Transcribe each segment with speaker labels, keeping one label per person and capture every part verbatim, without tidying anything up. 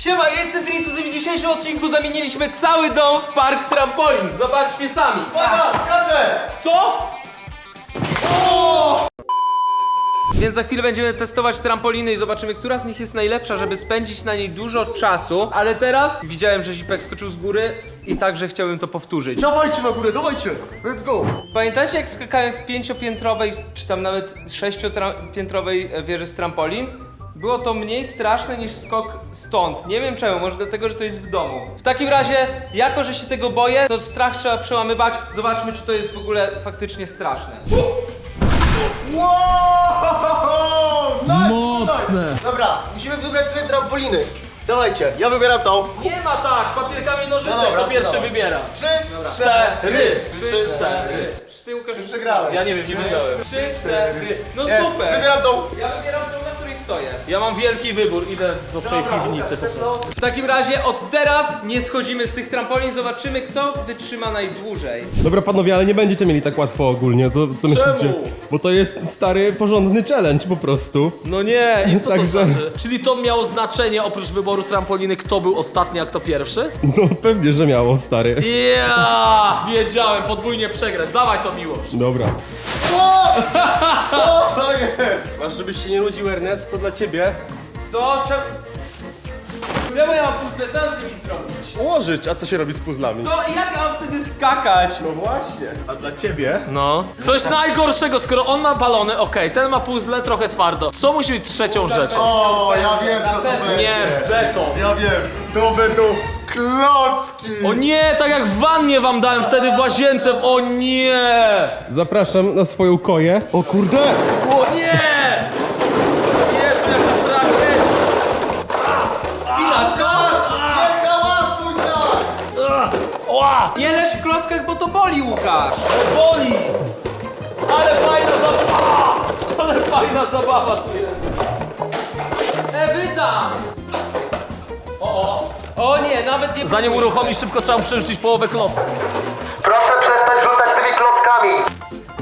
Speaker 1: Siema, ja jestem Tricus i w dzisiejszym odcinku zamieniliśmy cały dom w park trampolin. Zobaczcie sami.
Speaker 2: Uwaga, skaczę!
Speaker 1: Co? O! Więc za chwilę będziemy testować trampoliny i zobaczymy, która z nich jest najlepsza, żeby spędzić na niej dużo czasu. Ale teraz widziałem, że Zipek skoczył z góry i także chciałbym to powtórzyć.
Speaker 2: Dawajcie na górę, dawajcie! Let's go!
Speaker 1: Pamiętacie, jak skakałem z pięciopiętrowej, czy tam nawet sześciopiętrowej wieży z trampolin? Było to mniej straszne niż skok stąd. Nie wiem czemu, może dlatego, że to jest w domu. W takim razie, jako że się tego boję, to strach trzeba przełamywać. Zobaczmy, czy to jest w ogóle faktycznie straszne.
Speaker 2: Wow! Nice,
Speaker 3: Mocne.
Speaker 2: nice. Dobra, musimy wybrać sobie trampoliny. Dawajcie, ja wybieram tą.
Speaker 3: Nie ma tak, papierkami nożyce,
Speaker 2: No dobra,
Speaker 3: kto pierwszy
Speaker 2: dobra.
Speaker 3: wybiera.
Speaker 2: Trzy,
Speaker 3: Cztery. Trzy, cztery.
Speaker 1: Ty, Łukasz,
Speaker 2: Przegrałeś.
Speaker 3: Ja nie wiem, nie wiedziałem.
Speaker 1: Trzy, cztery. No
Speaker 2: Jest,
Speaker 1: super.
Speaker 2: wybieram tą.
Speaker 1: Ja wybieram tą, na której stoję.
Speaker 3: Ja mam wielki wybór, idę do swojej piwnicy po prostu.
Speaker 1: W takim razie od teraz nie schodzimy z tych trampolin, zobaczymy, kto wytrzyma najdłużej.
Speaker 4: Dobra panowie, ale nie będziecie mieli tak łatwo ogólnie, co, co myślicie? Bo to jest stary, porządny challenge po prostu.
Speaker 3: No nie, i co to
Speaker 4: Także-
Speaker 3: znaczy? Czyli to miało znaczenie oprócz wyboru trampoliny, kto był ostatni, a kto pierwszy?
Speaker 4: No pewnie, że miało, stary.
Speaker 3: Ja, wiedziałem, podwójnie przegrać. Dawaj to, Miłosz.
Speaker 4: Dobra.
Speaker 2: O! O, to jest!
Speaker 4: Masz, żebyś się nie nudził, Ernest, to dla ciebie.
Speaker 1: Co? Czemu? Czemu ja mam puzzle? Co mam z nimi zrobić?
Speaker 4: Ułożyć, a co się robi z puzzlami?
Speaker 1: Co? I jak ja mam wtedy skakać?
Speaker 4: No właśnie. A dla ciebie?
Speaker 3: No. Coś najgorszego, skoro on ma balony, okej, ten ma puzzle, trochę twardo. Co musi być trzecią rzeczą?
Speaker 2: O, ja wiem co to będzie.
Speaker 3: Nie, beton.
Speaker 2: Ja wiem, to będą klocki.
Speaker 3: O nie, tak jak w wannie wam dałem wtedy w łazience. O nie!
Speaker 4: Zapraszam na swoją koję. O kurde!
Speaker 3: O nie! Jezu, jak naprawdę!
Speaker 1: Chwila, co?
Speaker 2: Nie hałasuj tak!
Speaker 3: Ła!
Speaker 1: Nie leż w klockach, bo to boli, Łukasz.
Speaker 3: Boli! Ale fajna zabawa! Ale fajna zabawa tu jest!
Speaker 1: E, wydam!
Speaker 3: O, o!
Speaker 1: O nie, nawet nie...
Speaker 3: Zanim uruchomisz, szybko trzeba mu przerzucić połowę klocka.
Speaker 2: Proszę przestać rzucać tymi klockami.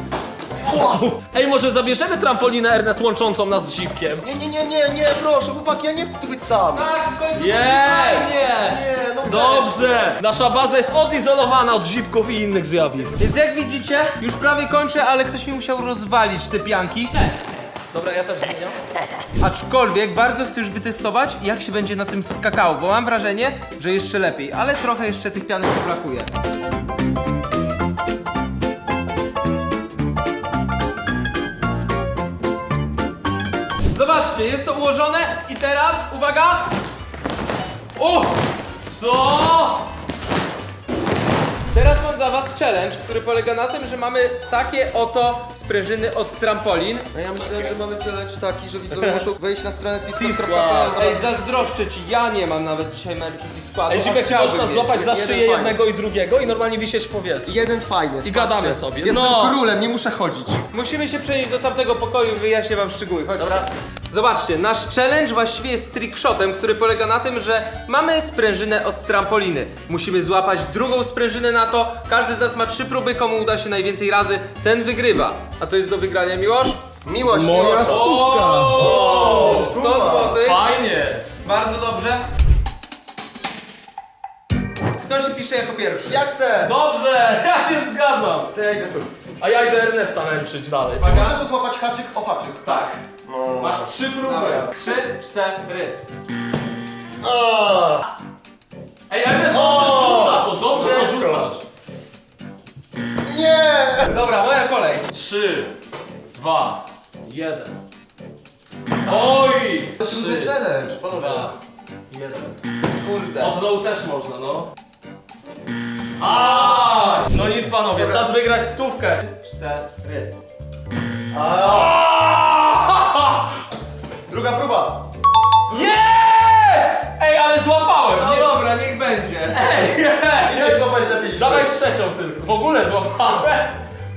Speaker 3: Ej, może zabierzemy trampolinę Ernest łączącą nas z Zipkiem?
Speaker 2: Nie, nie, nie, nie, nie, proszę, chłopaki, ja nie chcę tu być sam.
Speaker 1: Tak, w końcu
Speaker 3: Jest!
Speaker 1: fajnie!
Speaker 2: Nie, no
Speaker 3: Dobrze! Nasza baza jest odizolowana od Zipków i innych zjawisk.
Speaker 1: Więc jak widzicie, już prawie kończę, ale ktoś mi musiał rozwalić te pianki.
Speaker 3: Dobra, ja też zmieniam.
Speaker 1: Aczkolwiek bardzo chcę już wytestować, jak się będzie na tym skakało, bo mam wrażenie, że jeszcze lepiej, ale trochę jeszcze tych pianek mi brakuje. Zobaczcie, jest to ułożone i teraz, uwaga! O!
Speaker 3: Co?
Speaker 1: Teraz mam dla was challenge, który polega na tym, że mamy takie oto sprężyny od trampolin.
Speaker 2: No ja myślałem, że mamy challenge taki, że widzowie muszą wejść na stronę
Speaker 1: Ej,
Speaker 2: discord.pl.
Speaker 1: zazdroszczę ci, ja nie mam nawet dzisiaj merchu składu.
Speaker 3: Ej, Zipek,
Speaker 1: chciałbym
Speaker 3: można
Speaker 1: mieć.
Speaker 3: złapać za
Speaker 2: Jeden
Speaker 3: szyję
Speaker 2: fajny.
Speaker 3: jednego i drugiego i normalnie wisieć w powietrzu.
Speaker 2: Jeden fajny.
Speaker 3: I gadamy
Speaker 2: Patrzcie,
Speaker 3: sobie.
Speaker 2: Jestem
Speaker 3: No.
Speaker 2: królem, nie muszę chodzić.
Speaker 1: Musimy się przenieść do tamtego pokoju, wyjaśnię wam szczegóły. Chodźcie. Dobra. Zobaczcie, nasz challenge właściwie jest trickshotem, który polega na tym, że mamy sprężynę od trampoliny. Musimy złapać drugą sprężynę na to. Każdy z nas ma trzy próby, komu uda się najwięcej razy, ten wygrywa. A co jest do wygrania, Miłosz?
Speaker 2: Miłość,
Speaker 4: Moja
Speaker 2: miłość.
Speaker 4: stówka!
Speaker 1: sto złotych.
Speaker 3: Fajnie!
Speaker 1: Bardzo dobrze. Kto się pisze jako pierwszy?
Speaker 2: Ja chcę.
Speaker 3: Dobrze, ja się zgadzam.
Speaker 2: To ja idę tu.
Speaker 3: A ja idę Ernesta męczyć dalej.
Speaker 2: Muszę tu złapać haczyk o haczyk.
Speaker 3: Tak.
Speaker 2: No.
Speaker 3: Masz trzy próby.
Speaker 1: Dobra. Trzy, cztery.
Speaker 2: A,
Speaker 3: Ej, Ernest dobrze rzuca to, dobrze to
Speaker 2: Ciężko.
Speaker 3: rzucasz.
Speaker 2: nie!
Speaker 1: Dobra, moja kolej.
Speaker 3: Trzy, dwa, jeden. Oj!
Speaker 2: Trudny
Speaker 3: Trzy,
Speaker 2: challenge, panowie.
Speaker 3: dwa, jeden.
Speaker 1: Kurde.
Speaker 3: Od dołu też można, no. A! No nic panowie, czas wygrać stówkę.
Speaker 1: Cztery.
Speaker 2: Druga próba.
Speaker 3: Jest! Ej, ale złapałem!
Speaker 1: No
Speaker 3: Nie...
Speaker 1: dobra, niech będzie.
Speaker 3: Ej,
Speaker 2: I
Speaker 3: ej.
Speaker 2: tak złapać lepiej.
Speaker 3: Dawaj trzecią tylko. W ogóle złapałem.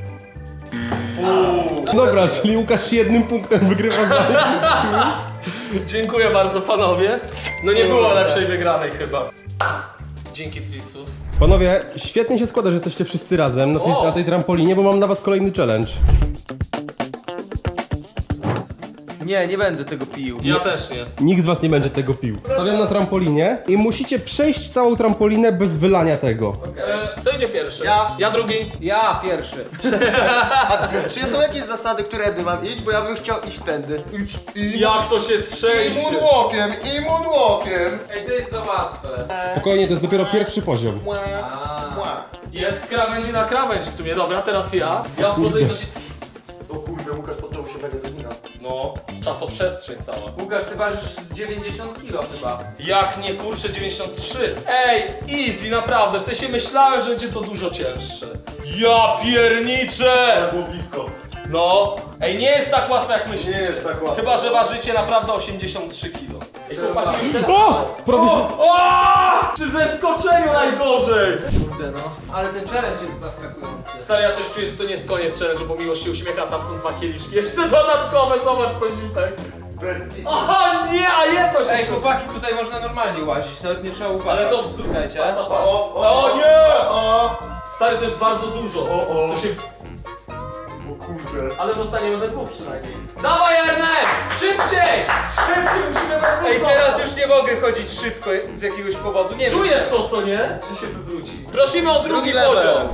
Speaker 3: Uuu.
Speaker 4: Dobra, czyli Łukasz jednym punktem wygrywa za
Speaker 3: Dziękuję bardzo panowie. No nie było lepszej wygranej chyba. Dzięki Trisus.
Speaker 4: Panowie, świetnie się składa, że jesteście wszyscy razem na tej,
Speaker 3: O!
Speaker 4: na tej trampolinie, bo mam dla was kolejny challenge.
Speaker 1: Nie, nie będę tego pił.
Speaker 3: Ja też nie.
Speaker 4: Nikt z was nie będzie tego pił. Stawiam na trampolinie i musicie przejść całą trampolinę bez wylania tego.
Speaker 3: E, kto idzie pierwszy?
Speaker 2: Ja.
Speaker 3: Ja drugi.
Speaker 1: Ja pierwszy.
Speaker 2: A czy są jakieś zasady, którędy mam iść? Bo ja bym chciał iść tędy.
Speaker 3: Jak to się
Speaker 2: I
Speaker 3: trzęsie.
Speaker 2: moonwalkiem, i moonwalkiem.
Speaker 1: Ej, to jest za łatwe.
Speaker 4: Spokojnie, to jest dopiero pierwszy poziom.
Speaker 2: Ła, ła.
Speaker 3: Jest z krawędzi na krawędź w sumie. Dobra, teraz ja. Ja wchodzę i to się...
Speaker 2: O kurde, Łukasz pod tobą się mega zagina.
Speaker 3: No, czasoprzestrzeń cała.
Speaker 1: Łukasz, ty ważysz z dziewięćdziesiąt kilo chyba.
Speaker 3: Jak nie, kurczę, dziewięćdziesiąt trzy. Ej, easy, naprawdę. W sensie myślałem, że będzie to dużo cięższe. Ja pierniczę!
Speaker 2: Było blisko.
Speaker 3: No, ej, nie jest tak łatwe jak myślicie.
Speaker 2: Nie jest tak łatwe.
Speaker 3: Chyba, że ważycie naprawdę osiemdziesiąt trzy kilo. Ej, chłopaki, już teraz...
Speaker 4: O! Prawie się...
Speaker 3: O! Przy zeskoczeniu najgorzej!
Speaker 1: Kurde no, ale ten challenge jest zaskakujący.
Speaker 3: Stary, ja coś czuję, że to nie jest koniec challenge'u, bo Miłość się uśmiecha, tam są dwa kieliszki. Jeszcze dodatkowe, zobacz to zipek.
Speaker 2: Bez kitu.
Speaker 3: O nie, a jedno się
Speaker 1: Ej,
Speaker 3: przy-
Speaker 1: chłopaki, tutaj można normalnie łazić, nawet nie trzeba uważać.
Speaker 3: Ale to w
Speaker 1: Słuchajcie.
Speaker 3: Patrz, patrz, patrz.
Speaker 2: O, o,
Speaker 3: O nie!
Speaker 2: O,
Speaker 3: Stary, to jest bardzo dużo.
Speaker 2: O, o.
Speaker 3: To się...
Speaker 2: o kurde.
Speaker 3: Ale zostaniemy we dwóch przynajmniej. Dawaj, Ernest! Szybciej! Szybciej, musimy we dwóch
Speaker 1: Ej,
Speaker 3: zostać.
Speaker 1: teraz już nie mogę chodzić szybko z jakiegoś powodu, nie wiem.
Speaker 3: Czujesz to, co nie? Że się wywróci. Prosimy o drugi,
Speaker 2: Drugi level.
Speaker 3: poziom.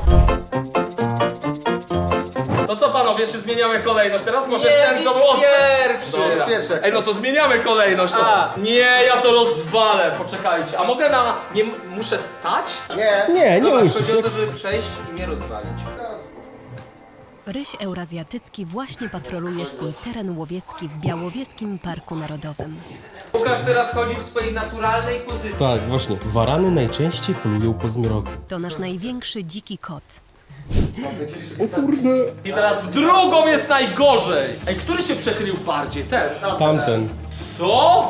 Speaker 3: To co panowie, czy zmieniamy kolejność? Teraz może
Speaker 1: Nie,
Speaker 3: ten, co
Speaker 1: idź
Speaker 3: był ostatni.
Speaker 1: pierwszy.
Speaker 2: Jest pierwszy.
Speaker 3: Ej, no to zmieniamy kolejność. No.
Speaker 1: A.
Speaker 3: Nie, ja to rozwalę. Poczekajcie. A mogę na... Nie m- muszę stać?
Speaker 2: Nie.
Speaker 4: Nie, nie
Speaker 1: Zobacz,
Speaker 4: musisz.
Speaker 1: chodzi o to, żeby przejść i nie rozwalić.
Speaker 5: Ryś eurazjatycki właśnie patroluje swój teren łowiecki w Białowieskim Parku Narodowym.
Speaker 1: Łukasz teraz chodzi w swojej naturalnej pozycji.
Speaker 4: Tak, właśnie. Warany najczęściej polują po zmroku.
Speaker 5: To nasz największy dziki kot.
Speaker 4: O kurde.
Speaker 3: I teraz w drugą jest najgorzej. Ej, który się przechylił bardziej? Ten.
Speaker 4: Tamten.
Speaker 3: Co?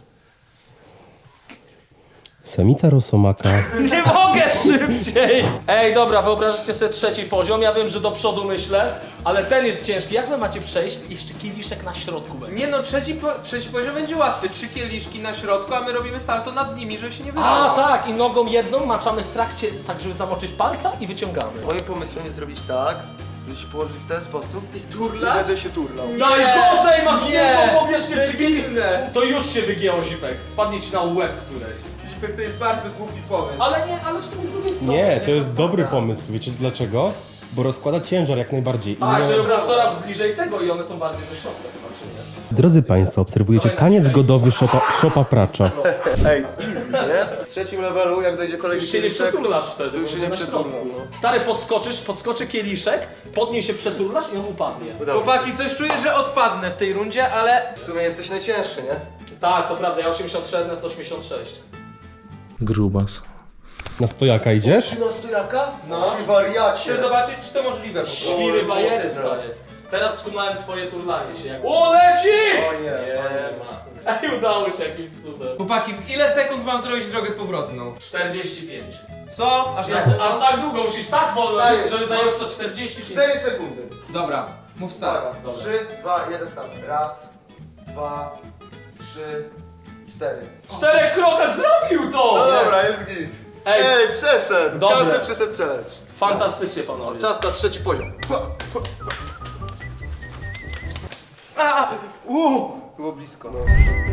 Speaker 4: Samica rosomaka.
Speaker 3: Nie mogę szybciej! Ej, dobra, wyobraźcie sobie trzeci poziom. Ja wiem, że do przodu myślę, ale ten jest ciężki. Jak wy macie przejść? Jeszcze kieliszek na środku będzie.
Speaker 1: Nie no, trzeci, po, trzeci poziom będzie łatwy. Trzy kieliszki na środku, a my robimy salto nad nimi, żeby się nie wydało.
Speaker 3: A, tak, i nogą jedną maczamy w trakcie, tak żeby zamoczyć palca i wyciągamy.
Speaker 2: Moim pomysłem jest zrobić tak, żeby się położyć w ten sposób i
Speaker 1: turlać?
Speaker 2: będę się turlał.
Speaker 3: Najgorzej, masz
Speaker 1: Nie.
Speaker 3: wielką powierzchnię przyginy.
Speaker 1: Debilne.
Speaker 3: To już się wygięło, Zipek. Spadnie ci na łeb któreś.
Speaker 1: Zipek, to jest bardzo głupi pomysł.
Speaker 3: Ale nie, ale w sumie z drugiej strony.
Speaker 4: Nie, to jest
Speaker 3: tak
Speaker 4: dobry
Speaker 3: naprawdę.
Speaker 4: pomysł. Wiecie dlaczego? Bo rozkłada ciężar jak najbardziej. I
Speaker 3: Tak,
Speaker 4: nie-
Speaker 3: że dobra, coraz bliżej tego i one są bardziej do środka, chyba, czy nie?
Speaker 4: Drodzy Państwo, obserwujecie taniec godowy szopa, szopa pracza.
Speaker 2: Ej, easy, nie? W trzecim levelu, jak dojdzie kolejny
Speaker 3: Już się nie
Speaker 2: kieliszek,
Speaker 3: przeturlasz wtedy,
Speaker 2: to już
Speaker 3: bo
Speaker 2: się nie
Speaker 3: będzie na
Speaker 2: przeturlam,
Speaker 3: środku.
Speaker 2: no.
Speaker 3: Stary, podskoczysz, podskoczy kieliszek, pod niej się przeturlasz i on upadnie.
Speaker 2: Udało mi się.
Speaker 1: Chłopaki, coś czuję, że odpadnę w tej rundzie, ale...
Speaker 2: W sumie jesteś najcięższy, nie?
Speaker 3: Tak, to prawda, ja osiemdziesiąt trzy, Ernest osiemdziesiąt sześć.
Speaker 6: Grubas.
Speaker 4: Na stojaka idziesz?
Speaker 2: Ty na stojaka?
Speaker 1: No.
Speaker 2: Ty wariacie.
Speaker 1: Chcę zobaczyć, czy to możliwe po prostu.
Speaker 3: Świry bajery, stary. Teraz skumałem twoje turlanie się jak... O, leci!
Speaker 2: O nie.
Speaker 3: Nie ma. Ej, udało się jakimś cudem.
Speaker 1: Chłopaki, w ile sekund mam zrobić drogę powrotną?
Speaker 3: czterdzieści pięć.
Speaker 1: Co? Aż
Speaker 3: Jest,
Speaker 1: tak?
Speaker 3: aż tak długo, musisz tak wolno,
Speaker 2: Stary,
Speaker 3: żeby zająć to czterdzieści pięć.
Speaker 2: cztery sekundy.
Speaker 1: Dobra, mów start.
Speaker 2: Uwaga.
Speaker 3: Dobra.
Speaker 2: trzy, dwa, jeden, start. Raz, dwa, trzy, cztery.
Speaker 3: W czterech krokach zrobił to!
Speaker 2: No dobra, jest git.
Speaker 3: Ej.
Speaker 2: Ej, przeszedł.
Speaker 3: Dobre.
Speaker 2: Każdy przeszedł challenge.
Speaker 3: Fantastycznie, panowie.
Speaker 2: Czas na trzeci poziom.
Speaker 1: A! Uuu! Było blisko. No.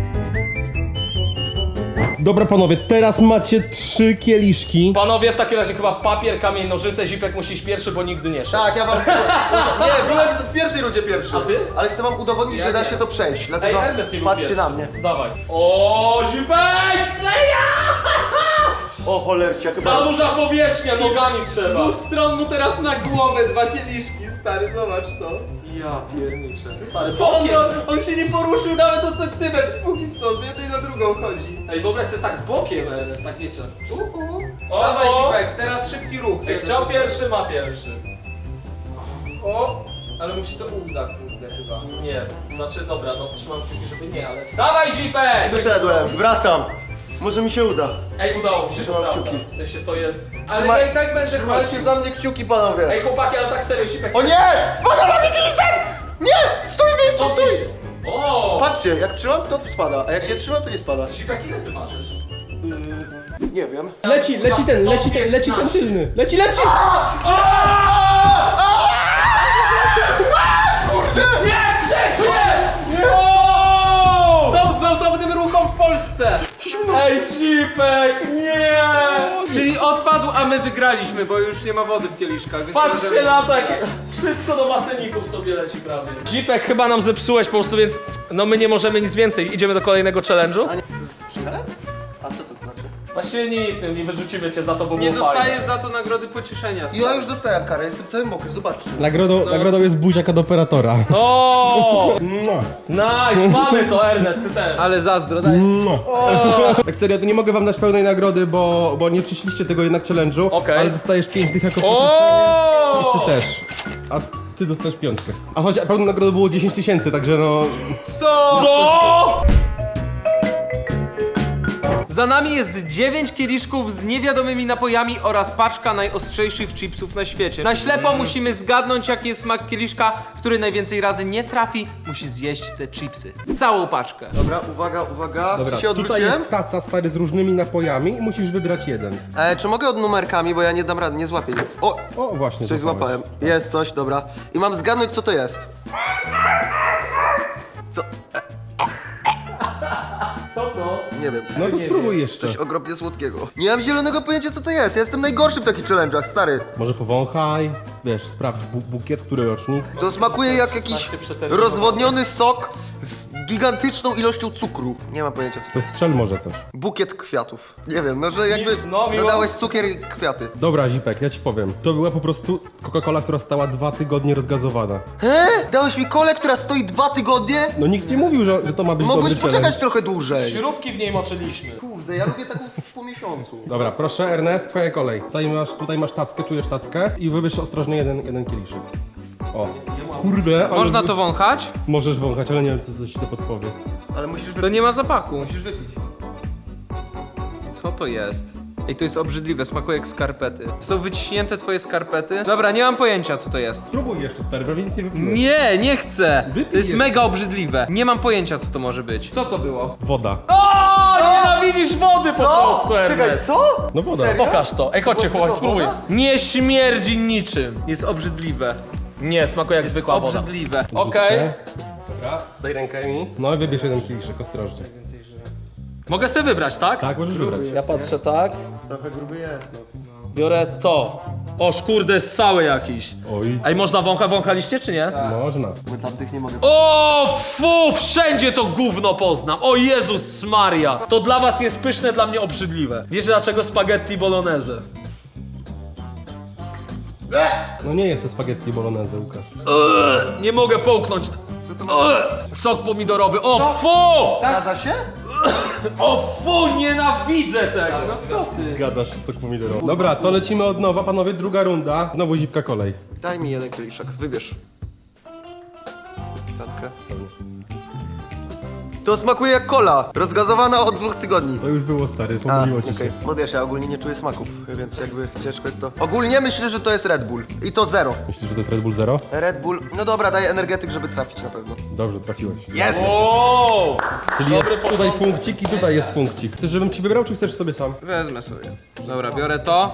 Speaker 4: Dobra panowie, teraz macie trzy kieliszki.
Speaker 3: Panowie, w takim razie chyba papier, kamień, nożyce, Zipek musi iść pierwszy, bo nigdy nie szedł.
Speaker 2: Tak, ja wam chcę... Nie, byłem w pierwszej rundzie pierwszy.
Speaker 3: A ty?
Speaker 2: Ale chcę wam udowodnić,
Speaker 1: Ja
Speaker 2: że da
Speaker 1: nie.
Speaker 2: się to przejść.
Speaker 3: Ej,
Speaker 2: Dlatego
Speaker 3: Ernest nie był
Speaker 2: patrzcie
Speaker 3: pierwszy.
Speaker 2: na mnie.
Speaker 3: Dawaj. O, Zipek! Leja!
Speaker 2: O cholercia,
Speaker 3: Za
Speaker 2: chyba...
Speaker 3: duża powierzchnia, nogami
Speaker 1: Z
Speaker 3: trzeba.
Speaker 1: dwóch stron mu teraz na głowę dwa kieliszki, stary, zobacz to.
Speaker 3: Ja pierniczę, stary,
Speaker 1: Co on,
Speaker 3: bokiem.
Speaker 1: ro- on się nie poruszył nawet o centymetr, póki co, z jednej na drugą chodzi.
Speaker 3: Ej, wyobraź sobie tak bokiem, Ernest, tak wiecie. O,
Speaker 1: Dawaj
Speaker 3: o.
Speaker 1: Zipek, teraz szybki ruch.
Speaker 3: Ej, chciał pierwszy, ma pierwszy.
Speaker 1: O! Ale mu się to uda, kurde, chyba.
Speaker 3: Nie, znaczy dobra, no trzymam kciuki, żeby nie, ale... Dawaj, Zipek!
Speaker 2: Przeszedłem, wracam. Może mi się uda.
Speaker 3: Ej, udało mi się, to
Speaker 2: Trzymam
Speaker 3: prawda.
Speaker 2: kciuki.
Speaker 3: W sensie to jest...
Speaker 1: Ale
Speaker 2: Trzymaj-
Speaker 1: ja i tak będę
Speaker 2: Trzymajcie
Speaker 1: chodził.
Speaker 2: za mnie kciuki, panowie.
Speaker 3: Ej, chłopaki, ale tak serio, Zipek...
Speaker 2: O nie! Spada na mnie kieliszek! Nie! Stój w miejscu,
Speaker 3: Cofnij
Speaker 2: stój!
Speaker 3: się. O!
Speaker 2: Patrzcie, jak trzymam, to spada, a jak nie trzymam, to nie spada.
Speaker 3: Zipek, ile ty ważysz?
Speaker 2: Nie wiem.
Speaker 4: Leci, leci ten, leci ten, leci ten tylny. Leci, leci!
Speaker 2: Kurde!
Speaker 3: Nie, trzecie! O!
Speaker 1: Polsce!
Speaker 3: Ej, Cipek, nie!
Speaker 1: Czyli odpadł, a my wygraliśmy, bo już nie ma wody w kieliszkach. Więc
Speaker 3: Patrzcie
Speaker 1: możemy-
Speaker 3: na to, jak wszystko do baseników sobie leci prawie. Cipek, chyba nam zepsułeś po prostu, więc no my nie możemy nic więcej. Idziemy do kolejnego challenge'u?
Speaker 2: A nie, z przycharem? A co to znaczy?
Speaker 3: Właściwie nic, nie, nie wyrzucimy cię za to, bo
Speaker 1: Nie
Speaker 3: było fajne.
Speaker 1: dostajesz za to nagrody pocieszenia.
Speaker 2: Ja już dostałem karę, jestem cały mokry, zobaczcie.
Speaker 4: Nagrodą, nagrodą jest buziak od operatora.
Speaker 3: O!
Speaker 4: Mua.
Speaker 3: Nice, mamy to, Ernest, ty też.
Speaker 1: Ale zazdro, daj.
Speaker 4: Mua. Tak serio, to nie mogę wam dać pełnej nagrody, bo, bo nie przyszliście tego jednak challenge'u,
Speaker 3: Okej.
Speaker 4: ale dostajesz pięć tych jako pocieszenie.
Speaker 3: O!
Speaker 4: Ty też. A ty dostajesz piątkę. A choć pełną nagrodą było dziesięć tysięcy, także no...
Speaker 1: Co?
Speaker 3: Co?
Speaker 1: Za nami jest dziewięć kieliszków z niewiadomymi napojami oraz paczka najostrzejszych chipsów na świecie. Na ślepo musimy zgadnąć, jaki jest smak kieliszka, który najwięcej razy nie trafi, musi zjeść te chipsy. Całą paczkę.
Speaker 2: Dobra, uwaga, uwaga,
Speaker 4: Dobra,
Speaker 2: czy się
Speaker 4: tutaj
Speaker 2: odwróciłem?
Speaker 4: jest taca stary z różnymi napojami i musisz wybrać jeden.
Speaker 2: E, czy mogę od numerkami, bo ja nie dam rady, nie złapię nic. O,
Speaker 4: O, właśnie.
Speaker 2: coś
Speaker 4: złapałeś.
Speaker 2: złapałem. Jest coś, dobra. I mam zgadnąć, co to jest. Co?
Speaker 3: Co to?
Speaker 2: Nie wiem.
Speaker 4: No to spróbuj jeszcze.
Speaker 2: Coś okropnie słodkiego. Nie mam zielonego pojęcia, co to jest. Ja jestem najgorszy w takich challenge'ach, stary.
Speaker 4: Może powąchaj, wiesz, sprawdź bu bukiet, który rocznik.
Speaker 2: To smakuje jak jakiś
Speaker 3: szesnaście przeterminowanych.
Speaker 2: rozwodniony sok z gigantyczną ilością cukru. Nie mam pojęcia, co to
Speaker 4: To
Speaker 2: jest.
Speaker 4: strzel może coś.
Speaker 2: Bukiet kwiatów. Nie wiem, no że jakby
Speaker 3: no, miło.
Speaker 2: dodałeś cukier i kwiaty.
Speaker 4: Dobra, Zipek, ja ci powiem. To była po prostu Coca-Cola, która stała dwa tygodnie rozgazowana.
Speaker 2: He? Dałeś mi kolę, która stoi dwa tygodnie?
Speaker 4: No nikt nie mówił, że, że to ma być
Speaker 2: Mogłeś
Speaker 4: dobry
Speaker 2: poczekać
Speaker 4: challenge.
Speaker 2: trochę dłużej.
Speaker 3: Śrubki w niej moczyliśmy.
Speaker 2: Kurde, ja lubię taką po miesiącu.
Speaker 4: Dobra, proszę, Ernest, twoja kolej. Tutaj masz, tutaj masz tackę, czujesz tackę i wybierz ostrożnie jeden, jeden kieliszek. O, kurde, ale...
Speaker 1: Można to wąchać?
Speaker 4: Możesz wąchać, ale nie wiem, co coś ci to podpowie.
Speaker 2: Ale musisz
Speaker 1: To nie ma zapachu.
Speaker 2: musisz wypić.
Speaker 1: Co to jest? Ej, to jest obrzydliwe, smakuje jak skarpety. Są wyciśnięte twoje skarpety? Dobra, nie mam pojęcia, co to jest.
Speaker 4: Spróbuj jeszcze, stary, prawie nic nie wypiłeś.
Speaker 1: Nie, nie chcę!
Speaker 4: Wypij
Speaker 1: To jest
Speaker 4: jeszcze.
Speaker 1: mega obrzydliwe. Nie mam pojęcia, co to może być. Co to było?
Speaker 4: Woda.
Speaker 3: O, nienawidzisz wody po prostu, Ernest.
Speaker 2: co?
Speaker 4: No woda.
Speaker 3: Pokaż to. Ej, chodźcie, chłopak, spróbuj.
Speaker 2: woda?
Speaker 3: Nie śmierdzi niczym.
Speaker 1: Jest obrzydliwe.
Speaker 3: Nie, smakuje jak zwykła woda.
Speaker 1: Obrzydliwe.
Speaker 3: Okej.
Speaker 4: Dobra, daj rękę mi. No i wybierz jeden kieliszek, ostrożnie.
Speaker 3: Mogę sobie wybrać, tak?
Speaker 4: Tak, możesz wybrać.
Speaker 3: Ja patrzę tak.
Speaker 2: Trochę gruby jest, no.
Speaker 3: Biorę to. O, kurde, jest cały jakiś.
Speaker 4: Oj,
Speaker 3: Ej, można wącha, wąchaliście czy nie?
Speaker 4: można.
Speaker 2: My tamtych nie mogę.
Speaker 3: O, fu, wszędzie to gówno poznam. O Jezus Maria. To dla was jest pyszne, dla mnie obrzydliwe. Wiesz dlaczego spaghetti bolognese?
Speaker 4: No nie jest to spaghetti bolognese, Łukasz.
Speaker 3: Nie mogę połknąć. Ugh, sok pomidorowy. O, fu!
Speaker 2: Zgadza się?
Speaker 3: O, fu, nienawidzę tego. No co ty?
Speaker 4: Zgadzasz się, sok pomidorowy. Dobra, to lecimy od nowa, panowie, druga runda. Znowu Zipka kolej.
Speaker 2: Daj mi jeden kieliszek, wybierz. Piątkę. To smakuje jak cola, rozgazowana od dwóch tygodni.
Speaker 4: To już było, stary,
Speaker 2: A,
Speaker 4: pomyliło ci
Speaker 2: okej.
Speaker 4: się.
Speaker 2: No wiesz, ja ogólnie nie czuję smaków, więc jakby ciężko jest to. Ogólnie myślę, że to jest Red Bull. I to zero.
Speaker 4: Myślisz, że to jest Red Bull Zero?
Speaker 2: Red Bull, no dobra, daję energetyk, żeby trafić na pewno.
Speaker 4: Dobrze, trafiłeś.
Speaker 2: Jest!
Speaker 3: O!
Speaker 4: Czyli jest
Speaker 3: Dobry
Speaker 4: tutaj
Speaker 3: początek.
Speaker 4: punkcik i tutaj jest punkcik. Chcesz, żebym ci wybrał, czy chcesz sobie sam?
Speaker 1: Wezmę sobie. Dobra, biorę to.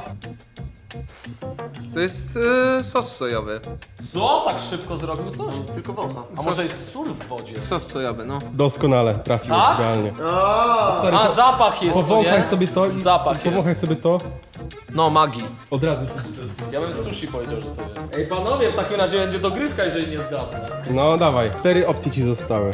Speaker 1: To jest y, sos sojowy.
Speaker 3: Co? Tak szybko zrobił coś?
Speaker 2: Tylko wącha.
Speaker 3: A może jest sól w wodzie?
Speaker 1: Sos sojowy, no.
Speaker 4: Doskonale, trafiłeś
Speaker 3: Tak?
Speaker 4: idealnie. Stary,
Speaker 3: A,
Speaker 4: po-
Speaker 3: zapach jest, co
Speaker 4: powąchaj
Speaker 3: nie?
Speaker 4: sobie to i
Speaker 3: Zapach
Speaker 4: powąchaj
Speaker 3: jest.
Speaker 4: sobie to.
Speaker 1: No, magii.
Speaker 4: Od razu czuć.
Speaker 3: Ja bym sushi powiedział, że to jest. Ej, panowie, w takim razie będzie dogrywka, jeżeli nie zgadnę.
Speaker 4: No dawaj, cztery opcje ci zostały.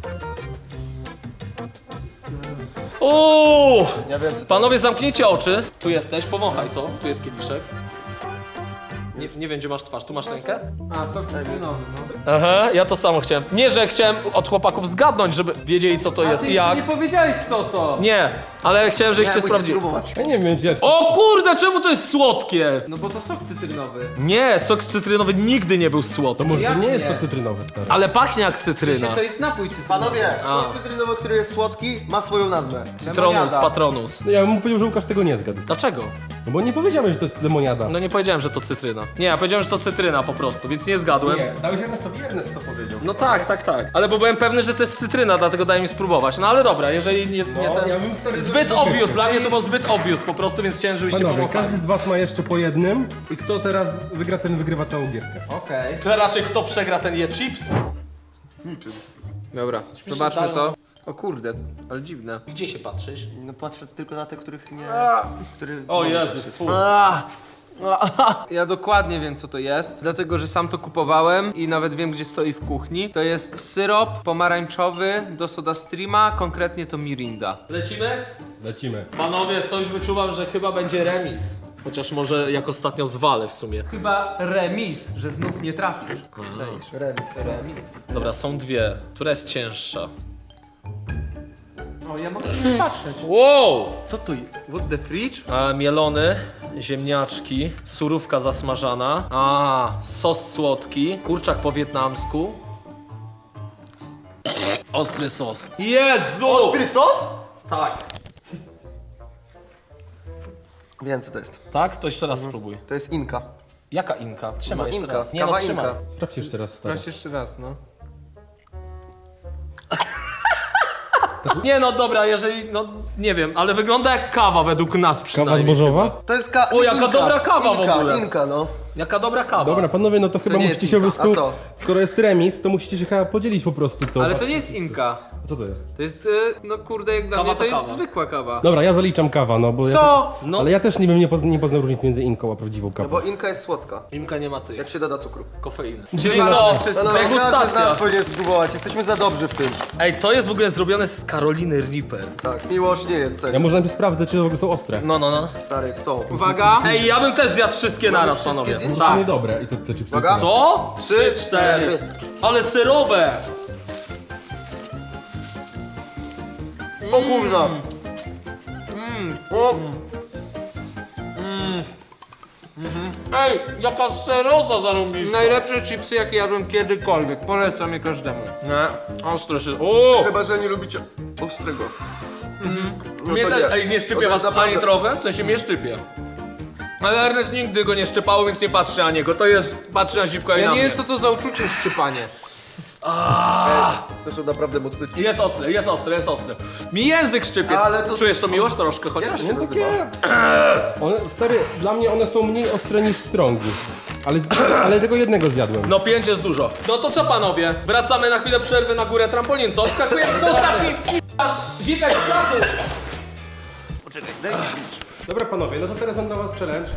Speaker 3: Uuu!
Speaker 2: Ja wiem, co to
Speaker 3: Panowie, zamknijcie oczy. Tu jesteś, powąchaj to. Tu jest kieliszek. Nie, nie wiem, gdzie masz twarz. Tu masz rękę?
Speaker 1: A, sok cytrynowy, no.
Speaker 3: Aha, ja to samo chciałem. Nie, że chciałem od chłopaków zgadnąć, żeby wiedzieli, co to jest i jak.
Speaker 1: nie powiedziałeś, co to.
Speaker 3: Nie, ale chciałem, żebyście
Speaker 2: musisz
Speaker 3: sprawdzili.
Speaker 2: spróbować.
Speaker 4: Ja nie wiem, gdzie...
Speaker 3: O kurde, czemu to jest słodkie?
Speaker 1: No bo to sok cytrynowy.
Speaker 3: Nie, sok cytrynowy nigdy nie był
Speaker 4: To
Speaker 3: słodki.
Speaker 4: może to
Speaker 1: Jak
Speaker 4: nie jest
Speaker 1: nie?
Speaker 4: sok cytrynowy, stary.
Speaker 3: Ale pachnie jak cytryna.
Speaker 1: To jest napój cytrynowy.
Speaker 2: Panowie, sok cytrynowy, który jest słodki, ma swoją nazwę.
Speaker 3: Citronus,
Speaker 1: lemoniada.
Speaker 3: patronus.
Speaker 4: No ja bym powiedział, że Łukasz tego nie zgadł.
Speaker 3: Dlaczego?
Speaker 4: No bo nie powiedziałem, że to jest lemoniada.
Speaker 3: No nie powiedziałem, że to cytryna. Nie, ja powiedziałem, że to cytryna po prostu, więc nie zgadłem.
Speaker 4: Nie, dałeś Ernestowi, Ernest to powiedział.
Speaker 3: No tak, tak, tak. Ale bo byłem pewny, że to jest cytryna, dlatego daj mi spróbować. No ale dobra, jeżeli jest nie
Speaker 4: No,
Speaker 3: ten...
Speaker 4: ja bym stary
Speaker 3: Zbyt
Speaker 4: zrobił
Speaker 3: obvious,
Speaker 4: dogrywkę.
Speaker 3: dla mnie to było zbyt obvious po prostu, więc chciałem, żebyście
Speaker 4: Panowie,
Speaker 3: pomogli.
Speaker 4: każdy z was ma jeszcze po jednym i kto teraz wygra, ten wygrywa całą gierkę.
Speaker 1: Okej.
Speaker 3: To raczej kto przegra, ten je chips?
Speaker 1: Dobra, zobaczmy to. O kurde, ale dziwne.
Speaker 3: Gdzie się patrzysz?
Speaker 2: No patrzę tylko na te, których nie... Który...
Speaker 3: O Jezu, fu.
Speaker 1: Ja dokładnie wiem, co to jest, dlatego że sam to kupowałem i nawet wiem, gdzie stoi w kuchni. To jest syrop pomarańczowy do SodaStreama, konkretnie to Mirinda.
Speaker 3: Lecimy?
Speaker 4: Lecimy.
Speaker 3: Panowie, coś wyczuwam, że chyba będzie remis. Chociaż może jak ostatnio zwalę w sumie.
Speaker 1: Chyba remis, że znów nie trafisz.
Speaker 2: Remis.
Speaker 1: Remis.
Speaker 3: Dobra, są dwie. Która jest cięższa?
Speaker 1: O, ja mogę patrzeć.
Speaker 3: Wow!
Speaker 1: Co tu jest? What the fridge?
Speaker 3: A, mielony, ziemniaczki, surówka zasmażana, a sos słodki, kurczak po wietnamsku. Ostry sos. Jezu!
Speaker 2: Ostry sos?
Speaker 3: Tak.
Speaker 2: Wiem co to jest.
Speaker 3: Tak? To jeszcze raz spróbuj.
Speaker 2: To jest Inka.
Speaker 3: Jaka Inka? Trzymaj
Speaker 2: No,
Speaker 3: jeszcze
Speaker 2: Inka.
Speaker 3: raz. Nie no,
Speaker 2: Kawa
Speaker 3: trzymaj.
Speaker 2: Inka.
Speaker 4: Sprawdź jeszcze raz, stary.
Speaker 1: Sprawdź jeszcze raz, no.
Speaker 3: Nie no dobra, jeżeli, no nie wiem, ale wygląda jak kawa według nas
Speaker 4: Kawa
Speaker 3: przynajmniej.
Speaker 4: zbożowa?
Speaker 2: To jest ka...
Speaker 3: O, jaka
Speaker 2: Inka.
Speaker 3: dobra kawa w
Speaker 2: Inka,
Speaker 3: ogóle.
Speaker 2: Inka, no.
Speaker 3: Jaka dobra kawa.
Speaker 4: Dobra, panowie, no to chyba
Speaker 1: nie
Speaker 4: musicie
Speaker 1: jest
Speaker 4: się po
Speaker 1: Inka.
Speaker 4: prostu...
Speaker 2: A co?
Speaker 4: Skoro jest remis, to musicie się chyba podzielić po prostu to.
Speaker 1: Ale to nie jest Inka.
Speaker 4: A co to jest?
Speaker 1: To jest, y, no kurde, jak dla
Speaker 3: Kawa
Speaker 1: mnie
Speaker 3: to
Speaker 1: to jest
Speaker 3: kawa.
Speaker 1: zwykła kawa.
Speaker 4: Dobra, ja zaliczam kawa, no bo ja...
Speaker 1: Co?
Speaker 3: No.
Speaker 4: Ale ja też nie bym nie, pozna, nie poznał różnicy między inką a prawdziwą kawą.
Speaker 2: Bo Inka jest słodka.
Speaker 3: Inka nie ma tych,
Speaker 2: Jak się doda cukru.
Speaker 3: kofeiny. Czyli co?
Speaker 2: No, no, każdy z
Speaker 3: Degustacja.
Speaker 2: nas powinien spróbować. Jesteśmy za dobrzy w tym.
Speaker 3: Ej, to jest w ogóle zrobione z Caroliny Reaper.
Speaker 2: Tak. Miłosz nie jest,
Speaker 4: Ja
Speaker 2: serio.
Speaker 4: może najpierw sprawdzę, czy w ogóle są ostre.
Speaker 3: No, no, no.
Speaker 2: Stary, są.
Speaker 1: Uwaga.
Speaker 3: Ej, ja bym też zjadł wszystkie naraz,
Speaker 2: wszystkie
Speaker 3: panowie.
Speaker 2: zjeść?
Speaker 4: To
Speaker 3: Tak.
Speaker 4: niedobre i te, te chipsy.
Speaker 2: Uwaga.
Speaker 3: Co? Trzy,
Speaker 2: Trzy,
Speaker 3: cztery.
Speaker 2: cztery.
Speaker 3: Ale serowe!
Speaker 2: O kurwa. O,
Speaker 3: Ej, jaka seroza zarąbista.
Speaker 1: Najlepsze chipsy, jakie jadłem kiedykolwiek. Polecam je każdemu.
Speaker 3: Nie, ostre się... O!
Speaker 2: chyba, że nie lubicie ostrego. No
Speaker 3: Mnie
Speaker 2: to
Speaker 3: też,
Speaker 2: nie.
Speaker 3: ej, nie
Speaker 2: To
Speaker 3: szczypie
Speaker 2: jest
Speaker 3: was
Speaker 2: naprawdę-
Speaker 3: ani trochę, w sensie mnie szczypie. Ale Ernest nigdy go nie szczypało, więc nie patrzy na niego. To jest, patrzy na zipka i
Speaker 1: Ja
Speaker 3: na
Speaker 1: nie
Speaker 3: mnie.
Speaker 1: wiem, co to za uczucie szczypanie.
Speaker 2: To są naprawdę mocne.
Speaker 3: Jest ostre, jest ostre, jest ostre. Mi język szczypie.
Speaker 2: Ale to-
Speaker 3: Czujesz to miłość troszkę chociaż?
Speaker 2: Jak się
Speaker 4: No
Speaker 2: nazywa?
Speaker 4: takie... One, stary, dla mnie one są mniej ostre niż strongi. Ale, ale tego jednego zjadłem.
Speaker 3: No pięć jest dużo. No to co panowie? Wracamy na chwilę przerwy na górę trampolin, co? Odskakujemy do ostatniej zipek z placu.
Speaker 2: Poczekaj, daj mi pić.
Speaker 4: Dobra panowie, no to teraz mam dla was challenge.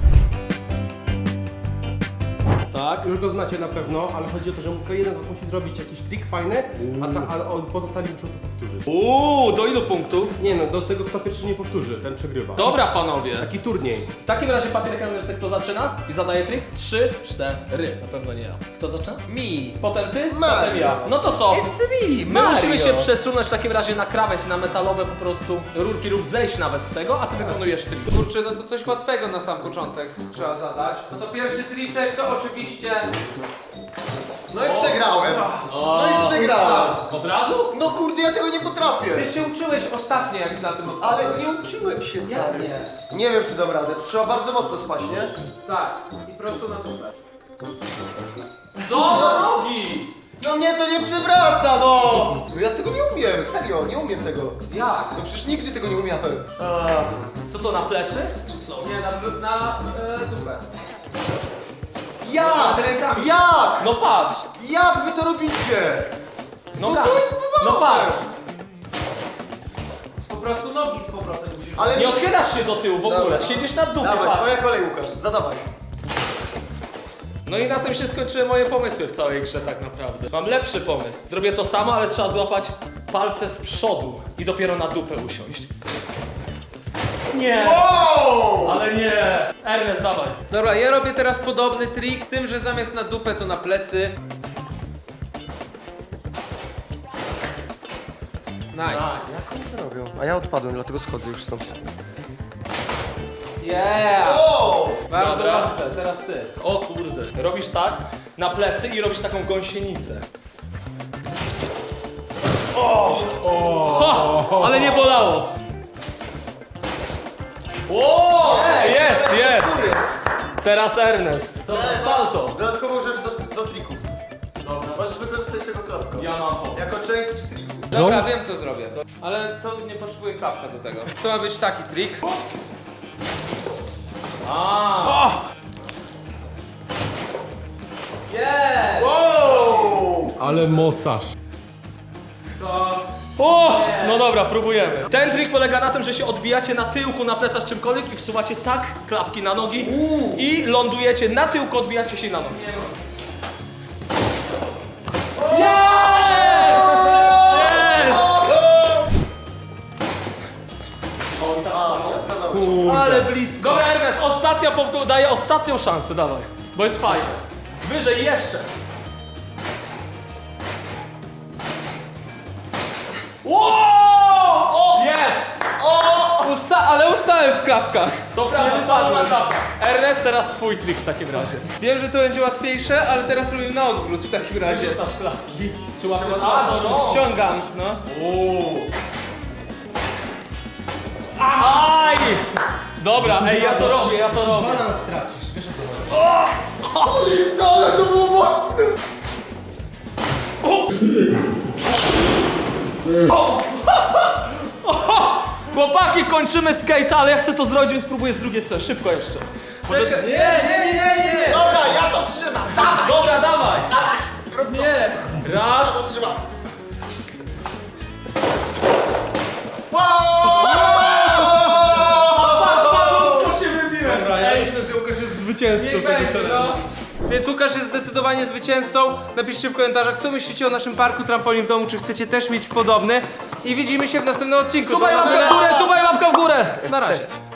Speaker 3: Tak.
Speaker 4: Już go znacie na pewno, ale chodzi o to, że tylko jeden z was musi zrobić jakiś trik fajny, a, ca- a o- pozostali muszą to powtórzyć.
Speaker 3: Uuu, do ilu punktów?
Speaker 4: Nie no, do tego kto pierwszy nie powtórzy, ten przegrywa.
Speaker 3: Dobra panowie.
Speaker 4: Taki turniej.
Speaker 3: W takim razie Patryk Ernest, kto zaczyna i zadaje trik? Trzy, cztery. Na pewno nie ja. Kto zaczyna?
Speaker 1: Mi.
Speaker 3: Potem ty?
Speaker 2: Mario.
Speaker 3: Potem ja. No to co?
Speaker 1: It's me,
Speaker 3: My
Speaker 1: Mario.
Speaker 3: musimy się przesunąć w takim razie na krawędź, na metalowe po prostu rurki lub zejść nawet z tego, a ty wykonujesz trik.
Speaker 1: Kurczę, no to coś łatwego na sam początek trzeba zadać. No to pierwszy triczek to oczywiście...
Speaker 2: No i przegrałem. No i przegrałem.
Speaker 3: Od razu?
Speaker 2: No kurde, ja tego nie potrafię.
Speaker 1: Ty się uczyłeś ostatnio, jak na tym
Speaker 2: Ale
Speaker 1: odpadłeś.
Speaker 2: nie uczyłem się, stary.
Speaker 1: nie?
Speaker 2: Nie wiem, czy dam radę. Trzeba bardzo mocno spać, nie?
Speaker 1: Tak. I prosto na dupę.
Speaker 3: Co? Do nogi!
Speaker 2: No mnie to nie przewraca, no! No ja tego nie umiem, serio, nie umiem tego.
Speaker 3: Jak?
Speaker 2: No przecież nigdy tego nie umiałem. A,
Speaker 3: Co to, na plecy? Czy co?
Speaker 1: Nie, na, na e, dupę.
Speaker 2: jak?
Speaker 3: Nad rękami.
Speaker 2: Jak?
Speaker 3: No patrz!
Speaker 2: Jak wy to robicie?
Speaker 3: No,
Speaker 2: No
Speaker 3: tak.
Speaker 2: to jest
Speaker 3: No
Speaker 2: problem.
Speaker 3: patrz!
Speaker 1: Po prostu nogi z powrotem musisz...
Speaker 2: Ale
Speaker 3: Nie odchylasz się do tyłu w ogóle,
Speaker 2: Dobra.
Speaker 3: siedzisz na dupie,
Speaker 2: Dawaj,
Speaker 3: patrz.
Speaker 2: twoja kolej, Łukasz, zadawaj.
Speaker 3: No i na tym się skończyły moje pomysły w całej grze tak naprawdę. Mam lepszy pomysł. Zrobię to samo, ale trzeba złapać palce z przodu i dopiero na dupę usiąść. Nie!
Speaker 2: Wow!
Speaker 3: Ale nie! Ernest, dawaj.
Speaker 1: Dobra, ja robię teraz podobny trik, z tym, że zamiast na dupę to na plecy. Nice.
Speaker 2: Robią. A ja odpadłem, dlatego schodzę już stąd.
Speaker 1: Yeah!
Speaker 2: Wow!
Speaker 1: Bardzo
Speaker 3: Dobra.
Speaker 1: dobrze, teraz ty.
Speaker 3: O kurde. Robisz tak, na plecy i robisz taką gąsienicę. O! o. Ale nie bolało! O! Jest, jest! Teraz Ernest. Dobra, salto.
Speaker 2: Dodatkową rzecz do, do trików. Dobra. Możesz wykorzystać tego klapka.
Speaker 3: Ja mam pomysł.
Speaker 2: Jako część triku.
Speaker 1: Dobra, wiem co zrobię. Ale to nie potrzebuje klapka do tego. To ma być taki trik.
Speaker 3: A.
Speaker 1: Yeah!
Speaker 2: Wow!
Speaker 4: Ale mocarz.
Speaker 1: Co?
Speaker 3: O! No dobra, próbujemy. Ten trik polega na tym, że się odbijacie na tyłku, na plecach czymkolwiek i wsuwacie tak klapki na nogi i lądujecie na tyłku, odbijacie się na nogi.
Speaker 1: Ale blisko.
Speaker 3: Dobra, Ernest, ostatnia powtórka, daję ostatnią szansę, dawaj. Bo jest fajnie. Wyżej jeszcze. Wow! Jest!
Speaker 1: Usta ale ustałem w klapkach.
Speaker 3: To prawda, spadł na klapę. Ernest, teraz twój trik w takim razie.
Speaker 1: Wiem, że to będzie łatwiejsze, ale teraz robimy na odwrót w takim razie.
Speaker 3: Rzucasz klapki. Czy łapiesz? A, no, no.
Speaker 1: Ściągam, no.
Speaker 3: Uuu. Aj! Dobra, ej, ja to robię, ja to robię.
Speaker 4: Balans stracisz, wiesz o co chodzi.
Speaker 2: Ale to było mocne!
Speaker 3: Chłopaki, kończymy skate, ale ja chcę to zrobić, więc próbuję z drugiej strony. Szybko jeszcze. Może...
Speaker 1: Nie, nie, nie, nie, nie, nie.
Speaker 2: Dobra, ja to trzymam! Dawaj!
Speaker 3: Dobra, dawaj.
Speaker 1: Nie.
Speaker 3: Raz.
Speaker 2: To trzymam!
Speaker 3: To się wybiłem.
Speaker 4: Dobra, ja myślę, że Łukasz jest zwycięzcą tego challenge'u.
Speaker 1: Więc Łukasz jest zdecydowanie zwycięzcą. Napiszcie w komentarzach, co myślicie o naszym parku trampolin w domu, czy chcecie też mieć podobny. I widzimy się w następnym odcinku.
Speaker 3: Subaj
Speaker 1: To na
Speaker 3: łapkę
Speaker 1: tyle.
Speaker 3: w górę, subaj łapkę w górę.
Speaker 1: Na razie.